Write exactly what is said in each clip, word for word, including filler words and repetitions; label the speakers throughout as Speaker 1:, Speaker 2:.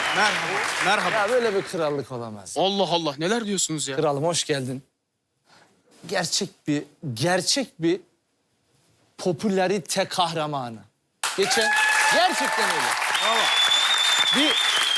Speaker 1: Merhaba. Merhaba.
Speaker 2: Ya böyle bir krallık olamaz.
Speaker 1: Allah Allah neler diyorsunuz ya?
Speaker 2: Kralım hoş geldin. Gerçek bir, gerçek bir popülarite kahramanı. Geçen gerçekten öyle.
Speaker 1: Bravo.
Speaker 2: Bir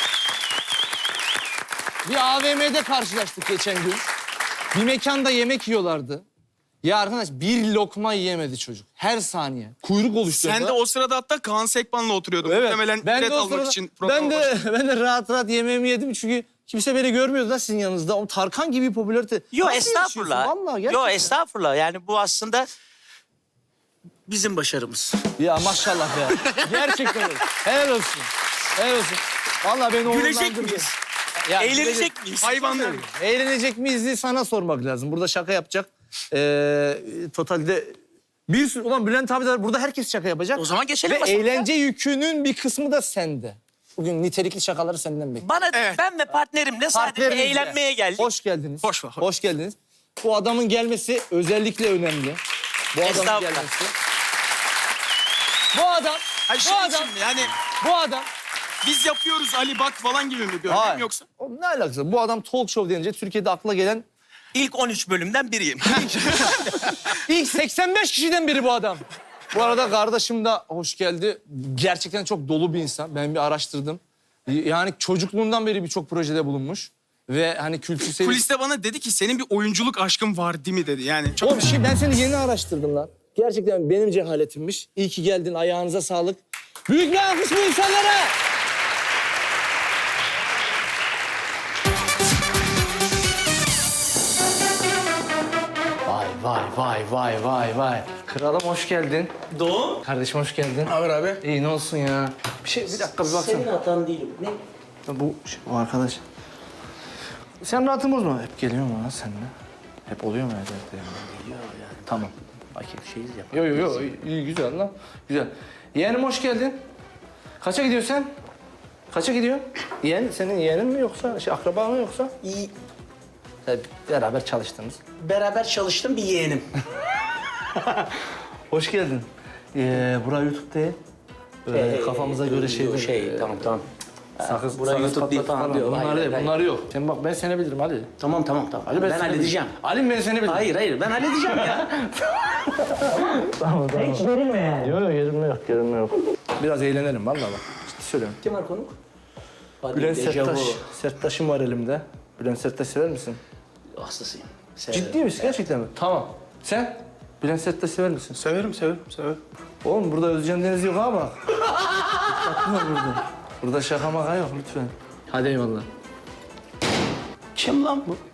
Speaker 2: bir A V M'de karşılaştık geçen gün. Bir mekanda yemek yiyorlardı. Ya arkadaş bir lokma yiyemedi çocuk. Her saniye. Kuyruk oluşturuyor.
Speaker 1: Sen de o sırada hatta Kaan Sekban'la oturuyordun. Muhtemelen
Speaker 2: ben de
Speaker 1: bilet
Speaker 2: o
Speaker 1: almak
Speaker 2: sırada-
Speaker 1: için programa
Speaker 2: ben de
Speaker 1: başladın.
Speaker 2: ben de rahat rahat yemeğimi yedim çünkü kimse beni görmüyordu da sizin yanınızda. O Tarkan gibi popülarite.
Speaker 3: Yo
Speaker 2: Nasıl
Speaker 3: estağfurullah.
Speaker 2: yaşıyorsun? Vallahi gerçekten.
Speaker 3: Yo estağfurullah. Yani bu aslında bizim başarımız.
Speaker 2: Ya maşallah be. Gerçekten öyle. Helal olsun. Helal olsun. Vallahi beni
Speaker 3: Gülecek
Speaker 2: onurlandırdı.
Speaker 3: miyiz?
Speaker 2: Ya,
Speaker 3: Eğlenecek miyiz?
Speaker 1: Hayvanlar.
Speaker 2: Eğlenecek miyiz diye sana sormak lazım. Burada şaka yapacak. Ee, totalde bir sürü... Ulan Bülent abi de burada herkes şaka yapacak.
Speaker 3: O zaman geçelim
Speaker 2: Ve
Speaker 3: masamıza.
Speaker 2: eğlence yükünün bir kısmı da sende. Bugün nitelikli şakaları senden bekliyorum.
Speaker 3: Bana
Speaker 1: Evet.
Speaker 3: ben ve partnerimle sadece
Speaker 2: Partnerinizle.
Speaker 3: eğlenmeye geldik.
Speaker 2: Hoş geldiniz.
Speaker 1: Hoş ver, hoş.
Speaker 2: Hoş geldiniz. Bu adamın gelmesi özellikle önemli. Bu adamın
Speaker 3: Estağfurullah.
Speaker 2: gelmesi. Bu adam,
Speaker 1: Ay
Speaker 2: bu
Speaker 1: şey
Speaker 2: adam,
Speaker 1: için mi? Yani
Speaker 2: bu adam.
Speaker 1: biz yapıyoruz Ali bak falan gibi mi görünüyor
Speaker 2: Hayır.
Speaker 1: yoksa?
Speaker 2: O ne alakası? Bu adam talk show denince Türkiye'de akla gelen
Speaker 3: İlk on üç bölümden biriyim.
Speaker 2: ilk seksen beş kişiden biri bu adam. Bu arada kardeşim de hoş geldi. Gerçekten çok dolu bir insan. Ben bir araştırdım. Yani çocukluğundan beri birçok projede bulunmuş. Ve hani kültür seviyesi...
Speaker 1: Kuliste bana dedi ki senin bir oyunculuk aşkın var değil mi dedi. Yani çok...
Speaker 2: Oğlum şey, ben seni yeni araştırdım lan. Gerçekten benim cehaletimmiş. İyi ki geldin. Ayağınıza sağlık. Büyük bir alkış bu insanlara. Vay vay vay vay vay vay. Kralım hoş geldin.
Speaker 3: Doğum.
Speaker 2: Kardeşim hoş geldin.
Speaker 1: Haber abi?
Speaker 2: İyi ne olsun ya. Bir şey bir dakika bir baksana.
Speaker 3: Senin hatan değil. Ne?
Speaker 2: Bu o arkadaş. Sen rahatın bozma. Hep geliyor mu lan seninle? Hep oluyor mu evde? Geliyor yani. Tamam. Bakayım.
Speaker 3: Şeyiz ya.
Speaker 2: Yo yo yo iyi güzel lan. Güzel. Yeğenim hoş geldin. Kaça gidiyorsun sen? Kaça gidiyorsun? Yeğen senin yeğenin mi yoksa şey akraba mı yoksa?
Speaker 3: İyi.
Speaker 2: Hep beraber çalıştınız.
Speaker 3: Beraber çalıştım bir yeğenim.
Speaker 2: Hoş geldin. Ee, bura YouTube değil. Böyle kafamıza göre şey.
Speaker 3: Şey tamam tamam.
Speaker 2: Sakız,
Speaker 3: Burası
Speaker 2: sakız
Speaker 3: YouTube değil
Speaker 2: patlat
Speaker 3: falan
Speaker 2: diyor.
Speaker 3: diyor.
Speaker 2: Bunlar
Speaker 3: Hayır,
Speaker 2: değil,
Speaker 3: hayır.
Speaker 2: bunlar yok. Sen bak ben seni bilirim Ali.
Speaker 3: Tamam tamam tamam.
Speaker 2: Ali
Speaker 3: ben
Speaker 2: seni
Speaker 3: halledeceğim.
Speaker 2: bilirim. Ali ben seni bilirim.
Speaker 3: Hayır hayır ben halledeceğim ya.
Speaker 2: Tamam tamam.
Speaker 3: Hiç gerilme yani.
Speaker 2: Yok yok gerilme yok, gerilme yok. Biraz eğlenelim vallahi bak. Ciddi söylüyorum.
Speaker 3: Kim var konuk? Hadi,
Speaker 2: Bülent
Speaker 3: dejavu.
Speaker 2: Serttaş. Serttaş'ım var elimde. Bülent Serttaş sever misin?
Speaker 3: Hastasıyım. Severim.
Speaker 2: Ciddi misin gerçekten mi? Tamam. Sen? Bülent Serttaş sever misin?
Speaker 1: Severim severim severim.
Speaker 2: Oğlum burada Özcan Deniz yok ha bak. Dikkatli ol burada. Burada şaka maka yok lütfen. Hadi eyvallah.
Speaker 3: Kim lan bu?